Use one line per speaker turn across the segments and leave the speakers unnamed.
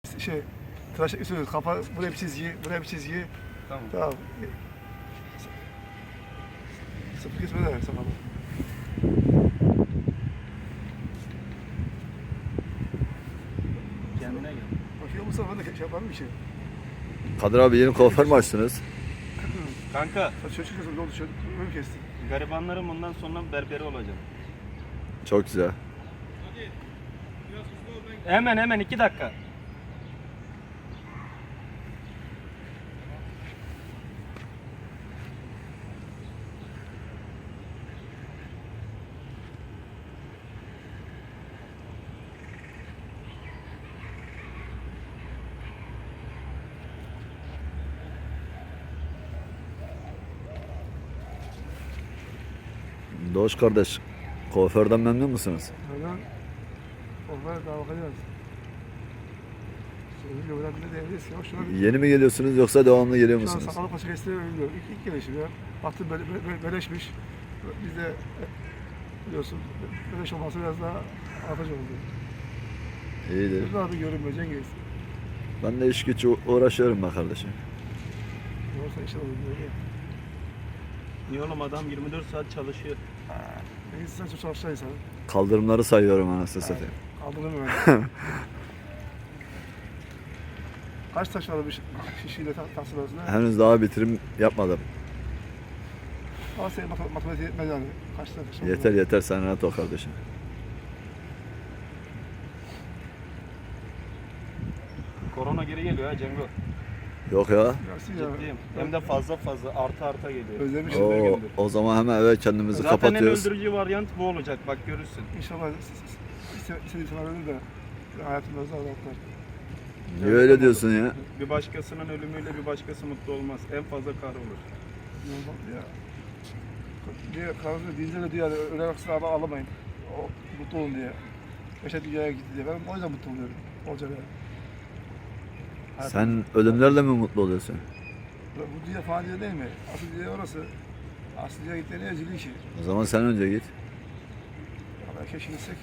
Tıraş üstü kafa, buraya bir çizgi, buraya bir çizgi.
Tamam.
Tamam. Sıfır kesme de sana.
Kendine gel.
Bakıyor musun? Ben de şey yapalım bir şey.
Kadir abi yeni kuaför mü açtınız?
Kanka,
Çocuk kızım ne oldu? Çocuk öyle kesti.
garibanların bundan sonra berberi olacak.
Çok güzel.
Hemen 2 dakika.
Doğuş kardeş, kuaförden memnun musunuz?
Oradan onlara daha bakacağız. Söyleyince buradan bile diyebiliriz ki. Şuna bir...
Yeni mi geliyorsunuz yoksa devamlı geliyor
Şu an
musunuz?
sakalı paça kestiğini bilmiyorum. İlk gelişim ya. Baktım beleşmiş. Biz de biliyorsun beleş olması biraz daha avantaj oldu.
İyidir.
Biz daha bir görünmüyor Cengiz.
Ben de iş güç uğraşıyorum be kardeşim.
Yoksa inşallah böyle.
Niye oğlum adam 24 saat çalışıyor.
Cengiz sen çok çalışan insan.
Kaldırımları sayıyorum anasını satayım.
Kaldırım öyle. Kaç taş var bir şişiyle tahsil arasında?
Henüz daha bitirim yapmadım.
Ama senin matematiği yetmez yani. Kaç tane taş var?
Yeter yeter sen rahat ol kardeşim.
Korona geri geliyor ha Cengo.
Yok ya.
Gelsin ya.
Ciddiyim. Hem de fazla arta geliyor.
Özlemişim.
O zaman hemen eve kendimizi
Zaten en
kapatıyoruz.
öldürücü varyant bu olacak, bak görürsün.
İnşallah istediğim sana ölür de hayatımda azaltlar.
Niye öyle diyorsun ya?
Bir başkasının ölümüyle bir başkası mutlu olmaz. En fazla kahrolur.
Ya. Diye kanunu dinle diyor yani ölen aksine alamayın. O mutlu olun diye. Yaşa dünyaya gitti diye. Ben o yüzden mutlu oluyorum. Olacak yani.
Sen ölümlerle mi mutlu oluyorsun?
Bu dünya fani dünya değil mi? Asıl dünya orası. Asıl dünya gittiğinde ezili işi.
O zaman sen önce git.
Ama keşke gitsek.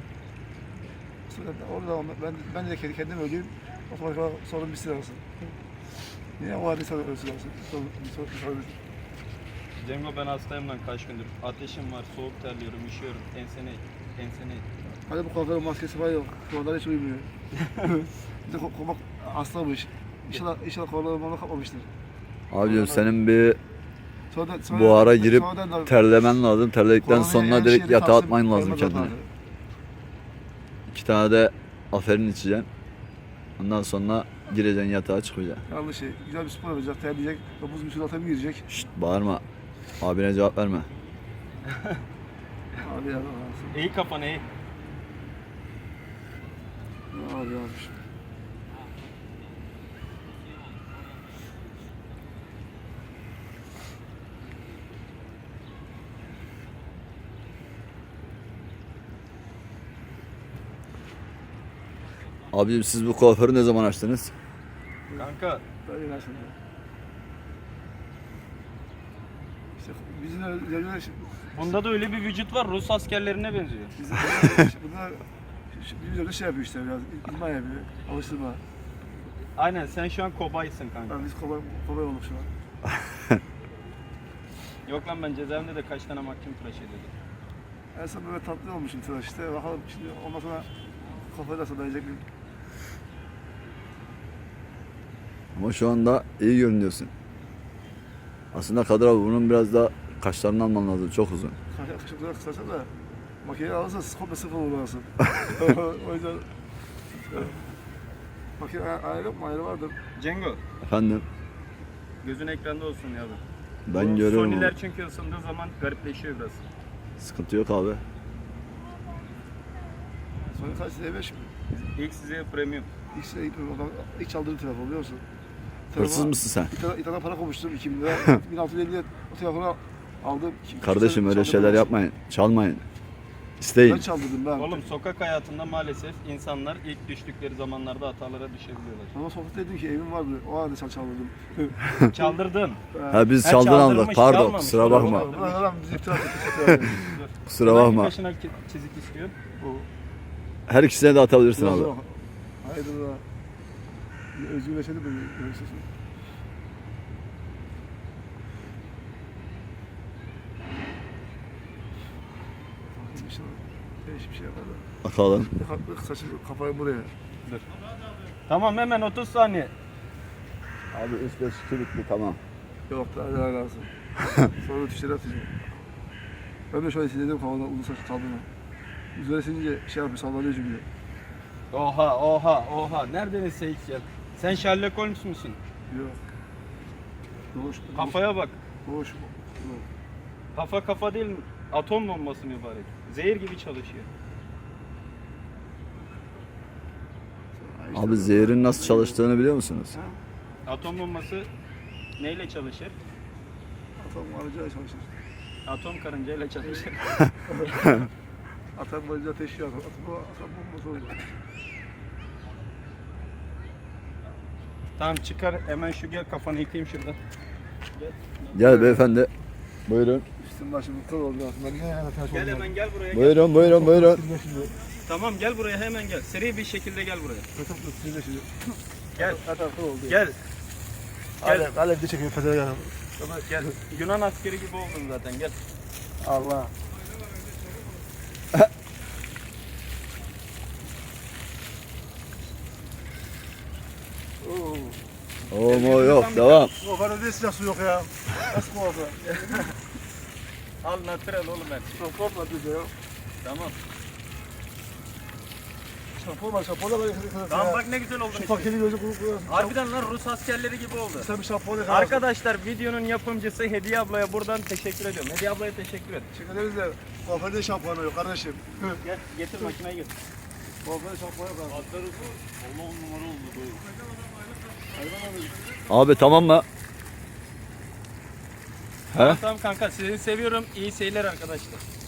Orada ben de kendim öleyim. O zaman sorun bitsin arasın. Niye o halde sana ölsün arasın? Sorun.
Cengo ben hastayım lan kaç gündür. Ateşim var, soğuk terliyorum, üşüyorum. Ensene.
Hadi bu kuaförün maskesi var yok. Kuaförler hiç uyumuyor. Bir de komak hastamış. İnşallah kuaförler kapmamıştır.
Abicim senin bir
Sonradan,
bu ara girip
sonradan da-
terlemen lazım. Terledikten
Koronaya
sonra
her
direkt
şeyi
yatağa
kalsın,
atman lazım
koymadan
kendine.
lazım.
2 tane de aferin içeceksin. Ondan sonra gireceksin yatağa çıkacaksın.
Yanlış şey. Güzel bir spor yapacak, terleyecek. Buz bir suyun bir girecek.
Şşt bağırma. Abine cevap verme.
Abi ya.
İyi kafanı iyi.
Abi yapmış.
Abicim siz bu kuaförü ne zaman açtınız?
Kanka
Böyle inersin. İşte bizim üzerine
bunda da öyle bir vücut var, Rus askerlerine benziyor.
bunlar bizim üzerine şey yapıyor işte biraz. İdman yapıyor. Alıştırma.
Aynen sen şu an kobaysın kanka.
Ben biz kolay olduk şu an.
Yok lan ben cezaevinde de kaç tane mahkum tıraş ediyordum.
En son böyle tatlı olmuşum tıraş işte. Bakalım şimdi ondan sonra kafayı nasıl dayayacak bir...
Ama şu anda iyi görünüyorsun. Aslında Kadir abi bunun biraz daha kaşlarını alman lazım. Çok uzun.
Kaşıkları kısarsa da makineyi alırsa komple sıfır olur lazım. O yüzden... Makine ayrı yok mu? Ayrı vardır.
Cengo
Efendim?
gözün ekranda olsun ya.
Ben
Bu
görüyorum.
Sony'ler çünkü ısındığı zaman garipleşiyor biraz.
Sıkıntı yok abi.
Sonra kaç E5 mi?
İlk size premium.
İlk çaldığım telefon biliyor musun?
Hırsız mısın sen?
İtalya para koymuştum 2000 lira. 1650'ye o telefonu aldım.
Kardeşim öyle
Çaldırdım
şeyler
ama.
yapmayın. Çalmayın. İsteyin.
Ben çaldırdım ben.
Oğlum sokak hayatında maalesef insanlar ilk düştükleri zamanlarda hatalara düşebiliyorlar.
Ama sokakta dedim ki evim vardı. O halde çaldırdım.
Çaldırdın.
Ha biz
Ha,
çaldın aldık.
çaldırmış,
Pardon
çalmamış.
kusura bakma.
Doğru.
Ulan adam bizi iftira etti.
Kusura
Hangi
bakma.
başına çizik istiyor?
Bu.
Her ikisine de atabilirsin abi.
Haydi Özgürleşelim mi? Görürsün. Bir şey var. Değişik bir şey yapar da.
Bakalım.
Saçı kafayı buraya.
Dur. Tamam hemen 30 saniye.
Abi 3-5-2 bitti tamam.
Yok daha lazım. Sonra tuşları atacağım. Ben de şöyle hissediyorum kafamda uzun saçlı kaldığını. Üzerine silince şey yapıyor, sallanıyor çünkü.
Oha. Nereden ise hiç ya. Sen Sherlock Holmes musun?
Yok. Doğuş.
Kafaya bak.
Doğuş.
Kafa değil, atom bombası mübarek. Zehir gibi çalışıyor.
Abi zehrin nasıl çalıştığını biliyor musunuz?
Atom bombası neyle çalışır?
Atam araca çalışır.
Atom karıncayla çalışır.
Atam boyunca ateşiyor. Atam bombası olacak.
Tamam çıkar hemen şu gel kafanı yıkayayım şuradan.
Gel beyefendi. Buyurun.
Üstüm başım kıl oldu aslında. Niye yani ters oldu?
Gel hemen gel buraya gel.
Buyurun.
Şimdi
Tamam gel buraya hemen gel. Seri bir şekilde gel buraya.
kötü şimdi şimdi.
Gel.
Atam kıl oldu.
Gel.
Alev de çekiyor fethede gel.
Gel. Yunan askeri gibi oldun zaten gel.
Allah. Oo.
Oo yok devam.
Kuaförde de silah su yok ya. Nasıl kuaför?
Al natural oğlum her şey.
Şampuan var bizde ya.
Tamam.
Şampuan da böyle
Tamam bak ne güzel oldun
Şu
işte.
paketi gözü kuruyorsun.
Harbiden lan Rus askerleri gibi oldu.
Sen bir şampuan yakalasın.
Arkadaşlar videonun yapımcısı Hediye ablaya buradan teşekkür ediyorum. Hediye ablaya teşekkür et.
Teşekkür ederiz de kuaförde şampuanı yok kardeşim.
Gel getir makineyi getir.
Kuaförde şampuan yok abi.
Allah on numara oldu bu.
Abi tamam mı? He?
Tamam kanka sizi seviyorum. İyi seyirler arkadaşlar.